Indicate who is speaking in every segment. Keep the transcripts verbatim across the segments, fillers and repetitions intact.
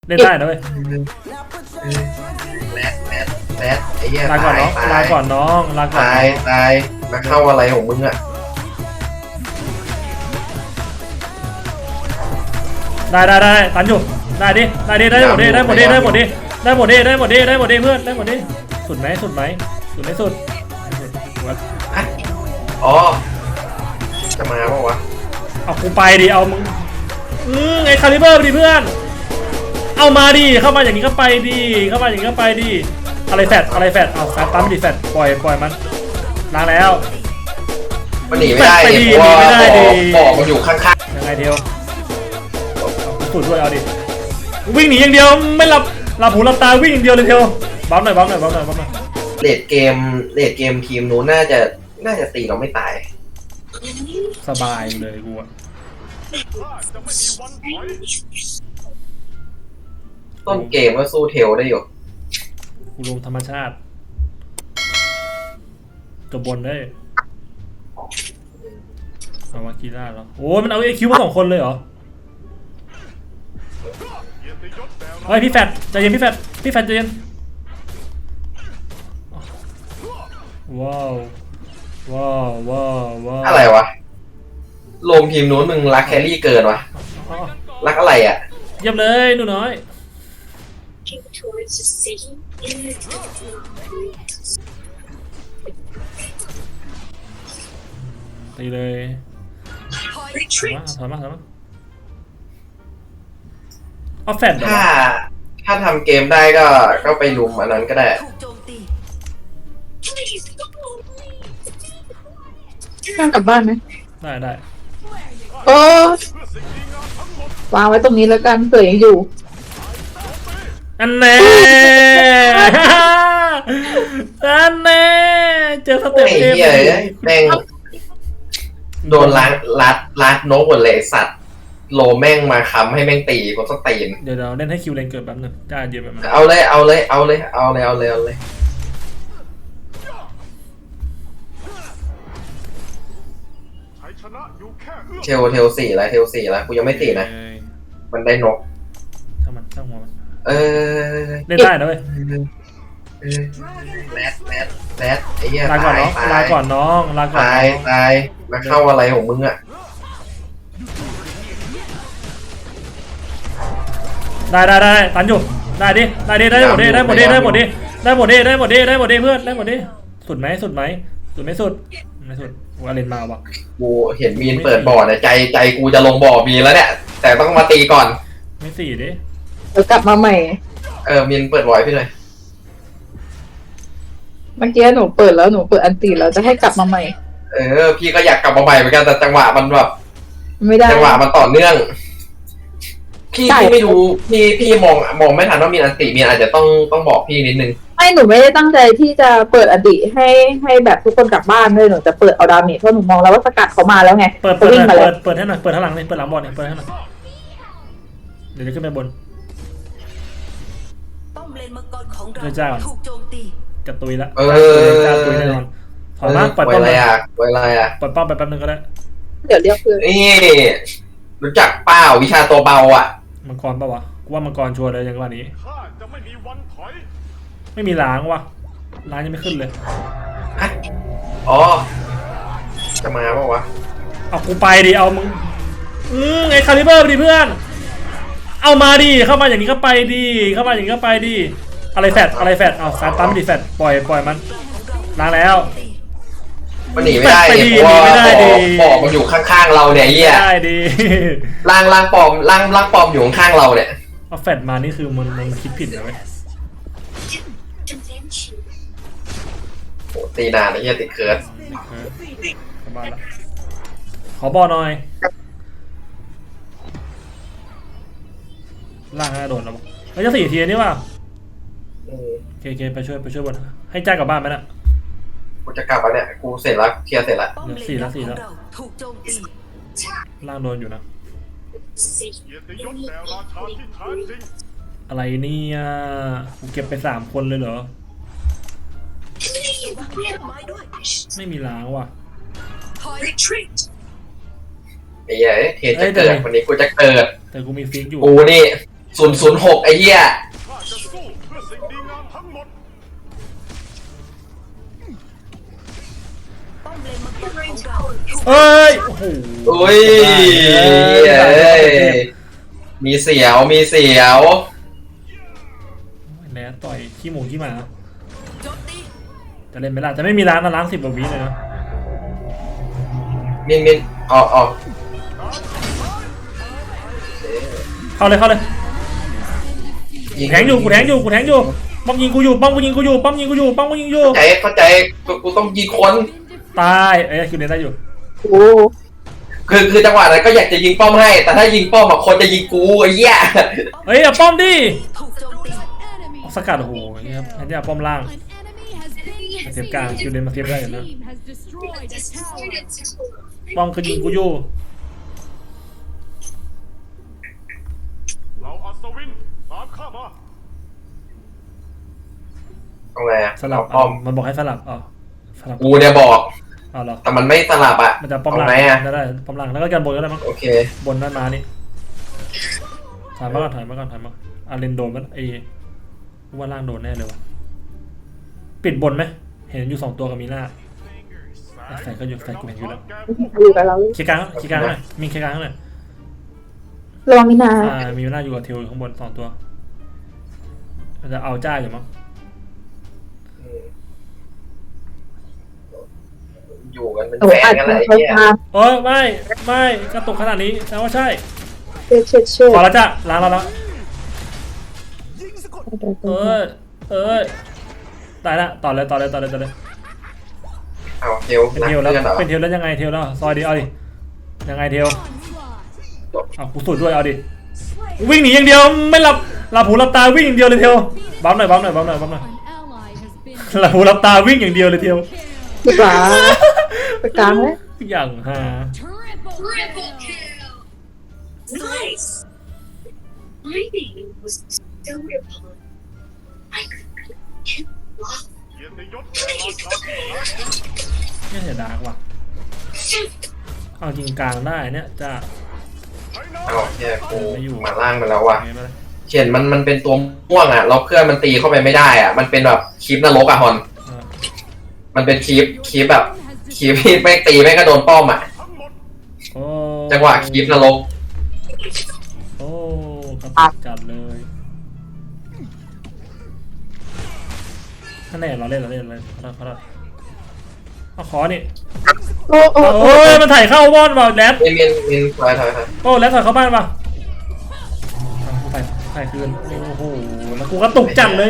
Speaker 1: เล่นได้นะเว้ย
Speaker 2: แรดแรดแรดไอ้เหี้ย
Speaker 1: ลาก่อนน้องลาก่อนน้องลาก่อน
Speaker 2: ตายตายมาเข้าอะไรของมึงอ่ะ
Speaker 1: ได้ได้ได้ตันอยู่ได้ดิได้ดิได้หมดดิได้หมดดิได้หมดดิได้หมดดิได้หมดดิได้หมดดิเพื่อนได้หมดดิสุดไหมสุดไหมสุดไม่สุด
Speaker 2: อ๋อจะมาเปล่าวะ
Speaker 1: เอากูไปดิเอามึงอืมไอ้คาลิเบอร์ดิเพื่อนเอามาดิเข้ามาอย่างนี้ก็ไปดิเข้ามาอย่างนี้ก็ไปดิอะไรแฟดอะไรแฟดเอาแฟดปั๊มดิแฟดปล่อยปล่อยมันล้างแล้ว
Speaker 2: มันหนีไม่ได้ดิเพราะว่าบอกมันอยู่ข้าง
Speaker 1: ๆยังไงเดียวสุดด้วยเอาดิวิ่งหนีอย่างเดียวไม่หลับหลับหูหลับตาวิ่งอย่างเดียวเลยเทียวบัฟหน่อยบัฟหน่อยบัฟหน่อยบัฟหน่อย
Speaker 2: เลดเกมเลดเกมทีมนู้นน่าจะน่าจะตีเราไม่ตาย
Speaker 1: สบายเลยกูอะ
Speaker 2: ต้นเกมก็สู้เทลได้อยู่
Speaker 1: กูลงธรรมชาติจบบนได้เอาวากีล่าแล้วโอ้มันเอาไอคิวมาสองคนเลยเหรอเฮ้ยพี่แฟดใจเย็นพี่แฟดพี่แฟดใจเย็นว้าวว้าวว้าวว้าว
Speaker 2: อะไรวะลงทีมนู้นมึงรักแครี่เกินวะรักอะไรอ่ะ
Speaker 1: เยี่ยมเลยหนูน้อยตีเลยถอยมาถอยมาเอาแฟด
Speaker 2: ถ้าถ้าทำเกมได้ก็ก็ไปลุมอันนั้นก็ได้
Speaker 3: นั่งกลับบ้านไหม
Speaker 1: ได้ได้
Speaker 3: โอ้วางไว้ตรงนี้แล้วกันเผื่อยังอยู่
Speaker 1: อันแน่อันแน่เจอสเต็ปเกม
Speaker 2: แม่งโดนลัดลัดลัดนกหมดเลยสัตว์โลแม่งมาค้ำให้แม่งตีผมต้องตีน
Speaker 1: เดี๋ยวเราเล่นให้คิวเลนเกิดแป๊บนึงได้เยอะแบบนั้น
Speaker 2: เอาเลยเอาเลยเอาเลยเอาเลยเอาเลยเอาเลยเทลเทลสี่แล้วเทลสี่แล้วกูยังไม่ตีนะมันได้นก
Speaker 1: ช่างมันช่างหัวมัน
Speaker 2: เออ
Speaker 1: เล่นได้นะเว้ย
Speaker 2: แรดแรดแรดไอ้เหี้ย
Speaker 1: ลาก่อนน้องลาก่อนน้องลาก่อน
Speaker 2: ตายตายมาเข้าอะไรของมึงอ่ะ
Speaker 1: ได้ได้ได้ตันอยู่ได้ดิได้ดิได้หมดดิได้หมดดิได้หมดดิได้หมดดิได้หมดดิได้หมดดิเพื่อนได้หมดดิสุดไหมสุดไหมสุดไม่สุดไม่สุดกูเล่นมาว่ะ
Speaker 2: กูเห็นมีนเปิดบ่อเนี่ยใจใจกูจะลงบ่อมีแล้วเนี่ยแต่ต้องมาตีก่อน
Speaker 1: ไม่สี่ดิ
Speaker 3: เดี๋ยวกลับมาใหม่
Speaker 2: เออมีนเปิดบ่อยพี่เลย
Speaker 3: เมื่อกี้หนูเปิดแล้วหนูเปิดอันตีแล้วจะให้กลับมาใหม่
Speaker 2: เออพี่ก็อยากกลับมาใหม่เหมือนกันแต่จังหวะมันแบบ
Speaker 3: ไม่ได้
Speaker 2: จังหวะมันต่อเนื่องพี่พี่ไม่รู้พี่พี่มองมองไม่ทันว่ามีอันติมีอาจจะต้องต้องบอกพี่นิดนึง
Speaker 3: ไม่หนูไม่ได้ตั้งใจที่จะเปิดอดีให้ให้แบบทุกคนกลับบ้านเลยหนูจะเปิดเอาดาเมจเพราะหนูมองแล้วว่าสกัดเขามาแล้วไง
Speaker 1: เปิดเปิดเปิดเปิดให้หน่อยเปิดข้างหลังเลยเปิดหลังบอลเนี่ยเปิดให้หน่อยเดี๋ยวจะขึ้นไปบน
Speaker 4: ป้อมเลนมังกรของเราถูกโจมตี
Speaker 1: จะตุยละ
Speaker 2: เออ
Speaker 1: จะตุยแน่นอนถอยมาปล่อยป้อม
Speaker 2: อะไรอ่ะปล่อยอะไรอ่ะ
Speaker 1: ปล่อยป้อมไปแป๊บนึงก็ได้
Speaker 3: เดี๋ยวเรียกเพื่อน
Speaker 2: นี่รู้จักเปล่าวิชาตัวเบาอ่ะ
Speaker 1: มังกรป่าวะกูว่ามังกรชัวร์เลยอย่างว่านี้ไม่มีล้างวะล้างยังไม่ขึ้นเลย
Speaker 2: อ๋อจะมาเปล่าวะ
Speaker 1: เอากูไปดิเอามึงอืมไอ้คาลิเบอร์ดิเพื่อนเอามาดิเข้ามาอย่างนี้ก็ไปดิเข้ามาอย่างนี้ก็ไปดิอะไรแฟดอะไรแฟดเอาแฟดปั๊มดิแฟดปล่อยปล่อยมันล้างแล้ว
Speaker 2: มันหนีไม่ได้เพราะว่าปอมมันอยู่ข้างๆเราเนี่ยเหี้ย
Speaker 1: ได้ดิ
Speaker 2: ล่างล่างปอมล่างล่างปอมอยู่ข้างๆเราเนี่ย
Speaker 1: เอาแฟดมานี่คือมันมันคิดผิดนะเว้ย
Speaker 2: โหตีนานไอ้เหี้ยติดเคิร์ด
Speaker 1: กลับบ้านละขอบอลหน่อยล่างให้โดนแล้วแล้วจะสี่ทีนี่ว่ะเคเคไปช่วยไปช่วยบนให้จ้ากลับบ้านไหมน่ะ
Speaker 2: กูจะกลับแล้วเนี่ยกูเสร็จแล้วเคลียร์เสร็จแล้ว
Speaker 1: สี่แล้วสี่แล้วล่างโดนอยู่นะอะไรเนี่ยกูเก็บไปสามคนเลยเหรอไม่มีล้างว่ะ
Speaker 2: ไอ้เหี้ยเทจะเกิดวันนี้กูจะเกิด
Speaker 1: แต่กูมีฟิกอยู่
Speaker 2: กูนี่ศูนย์ศูนย์หกไอ้เหี้ย
Speaker 5: ข้าจะสู้เพื่อสิ่งดีงามทั้งหมด
Speaker 4: ป้อมเลนมังกรของเราถูก
Speaker 1: เอ้ยโอ้โห
Speaker 2: อุ้ยเอ้ยมีเสียวมีเสียว
Speaker 1: แหนต่อยขี้หมูขี้หมา
Speaker 4: โจมตี
Speaker 1: จะเล่นไม่ได้จะไม่มีร้านนะล้างสิบกว่าวิเลยนะ
Speaker 2: มินมินออกออก
Speaker 1: เข้าเลยเข้าเลยกูแทงอยู่กูแทงอยู่กูแทงอยู่ป้อมยิงกูอยู่ป้อมกูยิงกูอยู่ป้อมยิงกูอยู่ป้อมกูยิงอยู่
Speaker 2: เข้าใจเข้าใจกูกูต้องยิงคน
Speaker 1: ตายเอ้ยคิวเล่นได้อยู่
Speaker 3: โอ้
Speaker 2: คือคือจังหวะนั้นก็อยากจะยิงป้อมให้ แต่ถ้ายิงป้อมอะคนจะยิงกูไอ้เหี้ย
Speaker 1: เฮ้ยเอาป้อมดิ
Speaker 4: ถูกโจมตี
Speaker 1: เอาสกัดโอ้โหนี่ครับอันนี้เอาป้อมล่างมาเทียบกลางคิวเล่นมาเทียบได้อยู่นะป้อมก็ยิงกูอยู่
Speaker 5: เราอัศวินตามข้ามา
Speaker 2: เอาไงอะ
Speaker 1: สลับ
Speaker 2: เอาป้อม
Speaker 1: มันบอกให้สลับอ๋อสลับ
Speaker 2: กูเนี่ยบอก
Speaker 1: เอาเหรอ
Speaker 2: แต่มันไม่สลับอะ
Speaker 1: มันจะป้อมล่าง
Speaker 2: เาไหนอะ
Speaker 1: ได้ได้ป้อมล่างแล้วก็กันบนก็ได้มั้ง
Speaker 2: โอเค
Speaker 1: บนนั้นมานี่ถอยมาก่อนถอยมาก่อนถอยมาอาเลนโดนมันไอ้ว่าล่างโดนแน่เลยวะปิดบนไหมเห็นอยู่สองตัวกับมีหน้าใส่ก็อยู่ใส่กูเห็นอยู่แล้ว
Speaker 3: อยู่กับเรา
Speaker 1: เคลียร์กลางเคลียร์กลางหน่อยมีเคลียร์กลางหน่อย
Speaker 3: ระวังมินา
Speaker 1: อ่ามีหน้าอยู่กับเทลอยู่ข้างบนสองตัวมันจะเอาจ้าอยู่มั้ง
Speaker 2: อยู่กันเป็น
Speaker 3: โอ้
Speaker 2: แฟ
Speaker 3: อั
Speaker 2: น
Speaker 3: ด
Speaker 2: กันเลย
Speaker 3: เขา
Speaker 2: ไอ้เหี้ย
Speaker 3: ตาม
Speaker 1: โอ้ยไม่ไม่กระตุกขนาดนี้แปลว่าใช่
Speaker 3: เช็ดเช็ดเช็ด
Speaker 1: พอแล้วจ้าล้างแล้วแล้วเออเออตายละต่อเลยต่อเลยต่อเลยต่อเลย
Speaker 2: เอาเทล
Speaker 1: เป็น
Speaker 2: รัก
Speaker 1: เทลแล้ว
Speaker 2: เพื่อนเหรอ
Speaker 1: เป็นเทลแล้วยังไงเทลแล้วซอยดีเอาดิยังไงเทลเอากูสูดด้วยเอาดิวิ่งหนีอย่างเดียวไม่หลับหลับหูหลับตาวิ่งอย่างเดียวเลยเทลบัมหน่อยบัมหน่อยบัมหน่อยบัมหน่อยหลับหูหลับตาวิ่งอย่างเดียวเลยเทล
Speaker 3: ดีกว่าไปกลางเลย
Speaker 1: อย่างฮา
Speaker 6: Nice. My name was Silver Pond. I could walk
Speaker 5: เกียรติยศแก่ราชาที่รัก
Speaker 1: ไม่เสียดายว่ะเอาจริงกลางได้เนี่ยจะ
Speaker 5: ไทยนา
Speaker 2: เอาเฮียกู
Speaker 1: ไม่อยู่
Speaker 2: มาล่างไปแล้วว่ะ
Speaker 1: ไงมาเลย
Speaker 2: เขียนมันมันเป็นตัวม่วงอะเราเพื่อนมันตีเข้าไปไม่ได้อะมันเป็นแบบคลิปนรกอะฮอน
Speaker 1: อ่า
Speaker 2: มันเป็นคลิปคลิปแบบคลิปที่แม่งตีแม่งก็โดนป้อมอะ
Speaker 5: ทั้งหมด
Speaker 1: โอ้
Speaker 2: จังหวะคลิปนรก
Speaker 1: โอ้ครับจัดเลยถ้าแน่เราเล่นเราเล่นเลยเขาเขาเอาขอนี่
Speaker 3: โอ้โอ้
Speaker 1: โอ้ยมันถ่ายเข้าวอนว่ะแรด
Speaker 2: มินมินมินถอยถอยถอย
Speaker 1: โอ้แรดถ่ายเข้าบ้านป่ะถ่ายถ่ายคืนโอ้โหแล้วกูก็ตกจัดเลย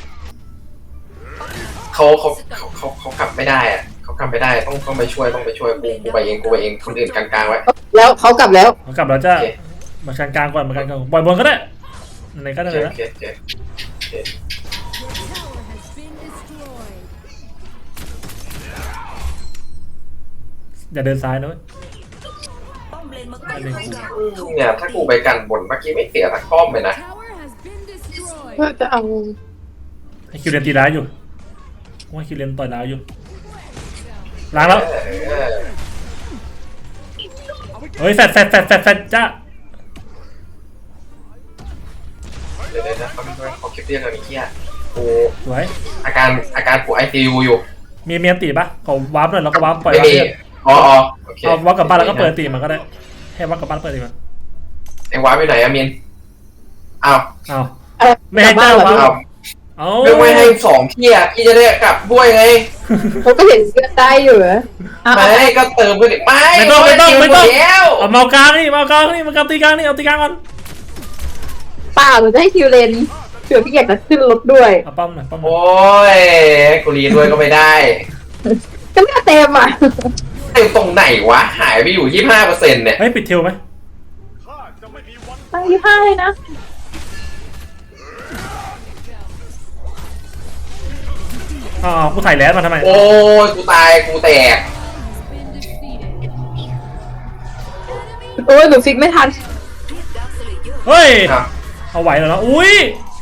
Speaker 2: เขาเขาเขาเขาเขากลับไม่ได้อะเขากลับไม่ได้ต้องต้องไปช่วยต้องไปช่วยกูกูไปเองกูไปเองคนอื่นกลางๆไว้
Speaker 3: แล้วเขากลับแล้ว
Speaker 1: เอากลับแล้วจ้า
Speaker 2: โอเค
Speaker 1: มาชันกลางก่อนมาชันกลางก่อนปล่อยบนก็ได้ไหนก็ได้
Speaker 2: โอเค
Speaker 1: นะ
Speaker 2: โอเคโอเคโอเค
Speaker 1: อย่าเดินซ้ายนะเว้ย
Speaker 4: ป้อมเลนมังกรของเราถูก
Speaker 2: เนี่ยถ้ากูไปกันบนเมื่อกี้ไม่เสียสักป้อมเลยนะ
Speaker 3: เพื่อจะเอา
Speaker 1: ให้คิวเรนตีร้ายอยู่ว่าคิวเรนต่อยร้ายอยู่ล้างแล้ว
Speaker 2: เออ
Speaker 1: เฮ้ยแฟดแฟดแฟดแฟดแฟดจ้า
Speaker 2: เดี๋ยวเดี๋ยวนะเขาไม่เขาคลิปเรียกอะไรเงี้ยกู
Speaker 1: สวย
Speaker 2: อาการอาการกูไอซียูอยู่
Speaker 1: มีเมียนตีปะขอวาร์ปหน่อยแล้วก็วาร์ปปล่อย
Speaker 2: ไม่
Speaker 1: วาร์ป
Speaker 2: มี
Speaker 1: เลือด
Speaker 2: อ๋ออ๋อโอเค
Speaker 1: เอาวาร์ปกลับบ้านแล้วก็เปิดตีมันก็ได้ให้วาร์ปกลับบ้านเปิดตีมัน
Speaker 2: ไอ้วาร์ปไปไหนอะมินอ้าว
Speaker 1: เอา
Speaker 3: อะไร
Speaker 1: ไม่ให้
Speaker 3: กลับบ้าน
Speaker 1: เจ้า
Speaker 3: เหรอ
Speaker 1: วะ
Speaker 2: อ้าว
Speaker 1: เอา
Speaker 2: ไม่ไม่ให้สองพี่อะพี่จะได้กลับด้วยไง
Speaker 3: เขาก็เห็นเสื้อได้อยู่เหรออ่ะ
Speaker 2: ไม่ก็เติมไปดิไม่
Speaker 1: ไม่ต้องไม่ต้องไม่ต้อง
Speaker 2: แล้ว
Speaker 1: เอาเมากลางนี่เมากลางนี่มากลางตีกลางนี่เอาตีกลางก่อน
Speaker 3: เปล่าหนูจะให้คิวเลนเผื่อพี่อยากจะขึ้นรถด้วย
Speaker 1: เอาป้อมหน่อยป้อมหน่อย
Speaker 2: โอ้ยกูรีด้วยก็ไม่ได้
Speaker 3: ก็ไม่เต็มอ่ะ
Speaker 2: เต็มตรงไหนวะหายไปอยู่ยี่สิบห้าเปอร์เซ็นต์เนี่ย
Speaker 1: เฮ้ยปิดเทลไหม
Speaker 5: ข้าจะไม่มีวัน
Speaker 3: ตั้งยี่ห้าเลยนะ
Speaker 1: อ๋อกูถ่ายแลนด์มาทำไม
Speaker 2: โอ้ยกูตายกูแตก
Speaker 3: โอ้ยหนูฟิกไม่ทัน
Speaker 4: เรียกดาร์คสเลเยอร์
Speaker 1: เฮ้ย
Speaker 2: อ่ะ
Speaker 1: เอาไหวแล้วนะอุ้ย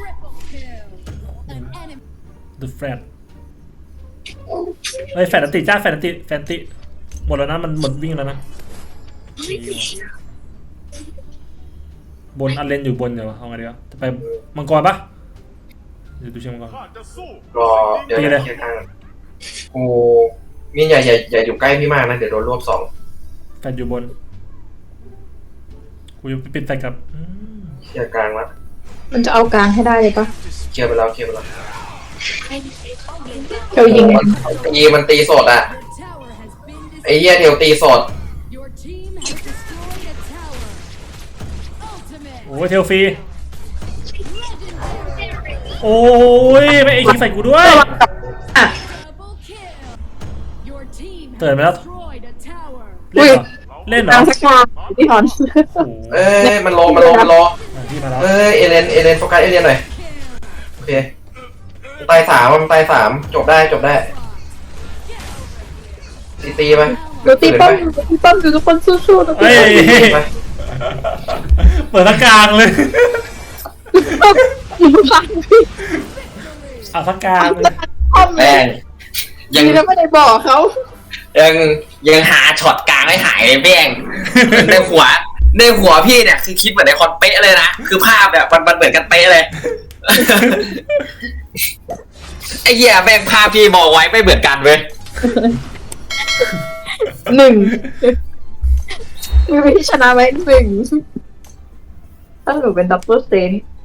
Speaker 1: The Flat เฮ้ยแฟนติจ้าแฟนติแฟนติหมดแล้วนะมันหมดวิ่งแล้วนะบนอันเลนอยู่บนเดี๋ยวเอาไงดีวะจะไปมังกรปะเดี๋ยวดูเชิงมังกร
Speaker 5: ข้าจะสู้
Speaker 2: รอเดี๋ยว
Speaker 1: ตีเลย
Speaker 2: เคลียร์ข้างกูมินอย่าอย่าอย่าอยู่ใกล้พี่มากนะเดี๋ยวโดนรวบสอง
Speaker 1: แฟดอยู่บนกูจะปิดแฟดกับอืม
Speaker 2: เคลียร์กลางละ
Speaker 3: มันจะเอากลางให้ได้เลยปะ
Speaker 2: เคลียร์ไปแล้วเคลียร์ไปแล้ว
Speaker 3: เทลยิง
Speaker 2: มันตีมันตีสดอ่ะ
Speaker 7: Tower has been
Speaker 2: ไอ้เหี้ยเดี๋ยวตีสด
Speaker 7: Your team has destroyed a tower. Ultimate.
Speaker 1: โอ้ยเทลฟรีโอ้ยไม่ไอ้คิงใส่กูด้วย
Speaker 3: อ่ะ
Speaker 7: Double kill. Your team has
Speaker 1: เตือนไปแล้ว
Speaker 7: destroyed a tower.
Speaker 1: เล่นเหรอเล่นเหร
Speaker 3: ก
Speaker 1: อ
Speaker 3: ลางสกาพี่ฮอน
Speaker 1: โอ้โห
Speaker 2: เอ้ยมันโลมันโลมันโล
Speaker 1: อ่ะพี่มาแล้ว
Speaker 2: เอ้ยเอเลนเอเลนโฟกัสเอเลนหน่อยโอเคตายสามมันตายสามจบได้จบได้ตีตีไป
Speaker 3: ดูตีป้อมดูตีป้อมดูทุกคนสู้ๆทุกคน
Speaker 1: เฮ้ย
Speaker 2: ไป
Speaker 1: เปิดตะกลางเลย
Speaker 3: อยู่ข้างพี่
Speaker 1: เอาตะกลางเลย
Speaker 3: ป้อมเล
Speaker 8: แม่
Speaker 3: ย
Speaker 8: งยัง
Speaker 3: ดีนะไม่ได้บอกเขา
Speaker 8: ยังยังหาช็อตกลางไม่หายเลยแม่ง ในหัวในหัวพี่เนี่ยคือคิดเหมือนในคอนเป๊ะเลยนะคือภาพแบบมันมันเหมือนกันเป๊ะเลย ไอ้เหี้ยแม่งภาพพี่มองไว้ไม่เหมือนกันเว้ย
Speaker 3: หนึ่งมีวิธีชนะไหมหนึ่งถ้าหนูเป็นดับเบิลเซน